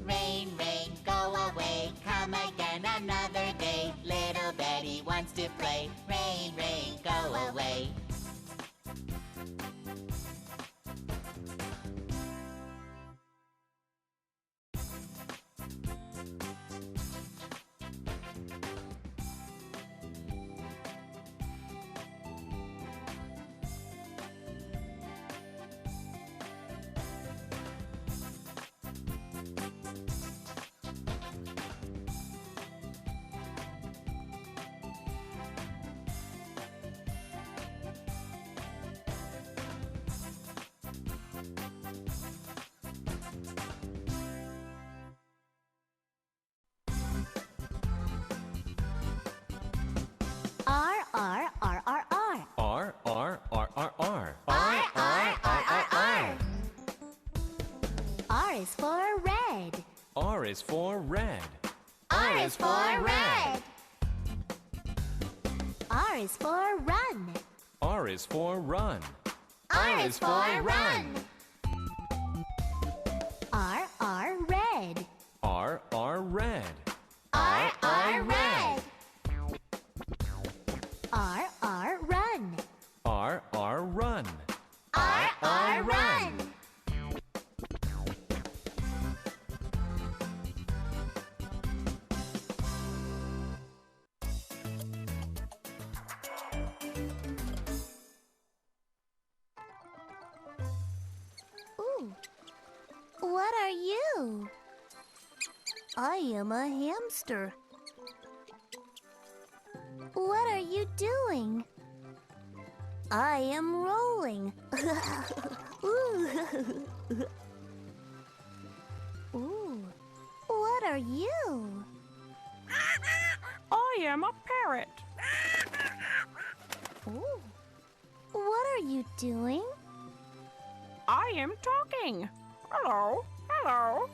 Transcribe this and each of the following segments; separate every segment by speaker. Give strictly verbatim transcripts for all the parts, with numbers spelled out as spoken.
Speaker 1: Rain, rain, go away, come again another day. Little Betty wants to play. Rain, rain, go away.
Speaker 2: R, R, R, R, R.
Speaker 3: R, R, R, R, R.
Speaker 2: R, R, R, R, R. R is for red.
Speaker 3: R is for red.
Speaker 2: R is for red. R is for run.
Speaker 3: R is for run.
Speaker 2: R is for run. R, R, red.
Speaker 3: R, R, red.
Speaker 2: R, R, red. R, R, run.
Speaker 3: R, R, run.
Speaker 2: R, R, run. Ooh, what are you? I am a hamster. What are you doing? I am rolling. Ooh. Ooh. What are you?
Speaker 4: I am a parrot.
Speaker 2: Ooh. What are you doing?
Speaker 4: I am talking. Hello, hello.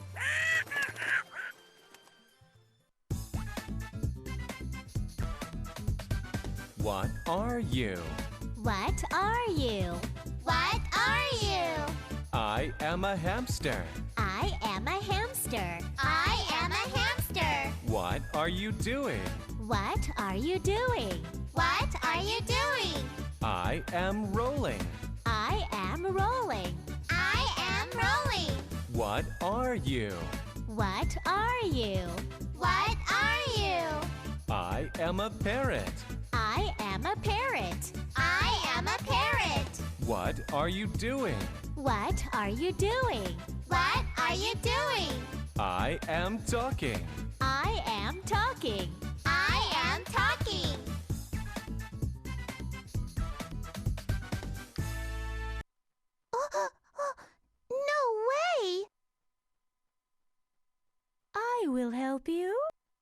Speaker 3: What are you?
Speaker 2: What are you? What are you?
Speaker 3: I am a hamster.
Speaker 2: I am a hamster. I am a hamster.
Speaker 3: What are you doing?
Speaker 2: What are you doing? What are you doing?
Speaker 3: I am rolling.
Speaker 2: I am rolling. I am rolling.
Speaker 3: What are you?
Speaker 2: What are you? What are you?
Speaker 3: I am a parrot.
Speaker 2: I am a parrot. I am a parrot.
Speaker 3: What are you doing?
Speaker 2: What are you doing? What are you doing?
Speaker 3: I am talking.
Speaker 2: I am talking. I am talking. No way!
Speaker 5: I will help you.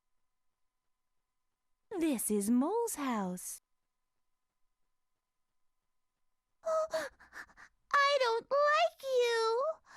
Speaker 5: This is Mole's house.
Speaker 2: I don't like you.